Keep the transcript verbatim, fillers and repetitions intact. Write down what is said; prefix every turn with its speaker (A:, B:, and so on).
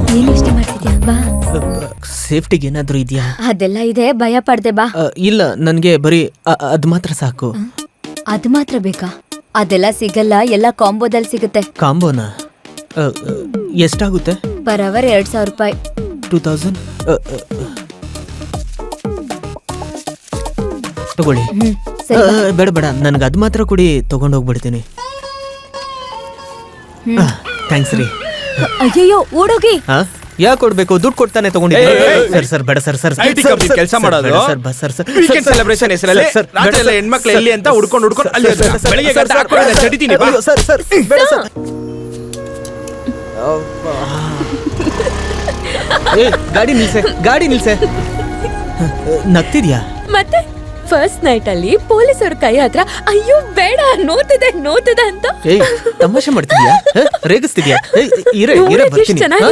A: ಏನ್ ಯೋಚನೆ ಮಾಡ್ತಿದ್ಯಾ? ಬಾ.
B: ಸೇಫ್ಟಿಗೆ ಏನಾದ್ರೂ ಇದೆಯಾ?
A: ಅದೆಲ್ಲ ಇದೆ, ಭಯ ಪಡ್ದೆ ಬಾ.
B: ಇಲ್ಲ, ನನ್ಗೆ ಬರೀ ಅ- ಅದ್ ಮಾತ್ರ ಸಾಕು.
A: ಅದ್ ಮಾತ್ರ ಬೇಕಾ? ಅದೆಲ್ಲ ಸಿಗಲ್ಲ, ಎಲ್ಲ ಕಾಂಬೋದಲ್ಲಿ ಸಿಗುತ್ತೆ.
B: ಕಾಂಬೋನಾ? ಅ, ಅ, ಎಷ್ಟಾಗುತ್ತೆ?
A: ಪರ್ ಅವರ್ ಎರಡ್ ಸಾವಿರ ರೂಪಾಯಿ.
B: ಟೂ ತೌಸಂಡ್ ತಗೊಳ್ಳಿ.
A: ಹ್ಮ್
B: ಅ,
A: ಸರಿ ಬಾ.
B: ಬೇಡ ಬೇಡ, ನನ್ಗೆ ಅದ್ ಮಾತ್ರ ಕೊಡಿ, ತಗೊಂಡೋಗ್ಬಿಡ್ತೀನಿ. ಥ್ಯಾಂಕ್ಸ್ ರೀ.
A: ಅಯ್ಯಯ್ಯೋ ಓಡೋಗಿ.
B: ಹಾ, ಯಾಕೆ ಕೊಡ್ಬೇಕು? ದುಡ್ಡು ಕೊಡ್ತಾನೆ ತಗೊಂಡಿದ್ದೀನಿ. ಸರ್ ಸರ್ ಬೇಡ sir sir
C: I T company ಕೆಲಸ ಮಾಡೋದು
B: ಸರ್ ಬಸ್ ಸರ್ ಸರ್
C: ವೀಕೆಂಡ್ ಸೆಲೆಬ್ರೇಷನ್ ಹೆಸರಲ್ಲಿ ರಾತ್ರಿ ಎಲ್ಲ ಹೆಣ್ಮಕ್ಳು ಎಲ್ಲಿ ಅಂತ ಹುಡ್ಕೊಂಡು ಹುಡ್ಕೊಂಡು ಅಲ್ಲಿ ಬೆಳಿಗ್ಗೆ ಗಂಟೆ ಹಾಕೊಂಡು ಚಡಿತೀನಿ ಬಾ.
B: ಸರ್ ಸರ್ ಬೇಡ ಸರ್. ಏ ಗಾಡಿ ನಿಲ್ಸೆ, ಗಾಡಿ ನಿಲ್ಸೆ. ನಗ್ತಿದ್ಯಾ?
A: ಮತ್ತೆ ಫಸ್ಟ್ ನೈಟ್ ಅಲ್ಲಿ ಪೊಲೀಸರ ಕೈ ಹತ್ರ ಅಯ್ಯೋ ಬೇಡ ನೋತಿದೆ ನೋತಿದೆ ಅಂತ
B: ಏಯ್ ತಮಾಷೆ ಮಾಡ್ತಿದ್ಯಾ? ರೇಗಿಸ್ತಿದ್ಯಾ? ಏಯ್ ಇರೇ ಇರೇ
A: ನೋಡಕ್ಕೆ ಎಷ್ಟ್
B: ಬರ್ತೀನಿ.
A: ಚೆನ್ನಾಗಿದೆ.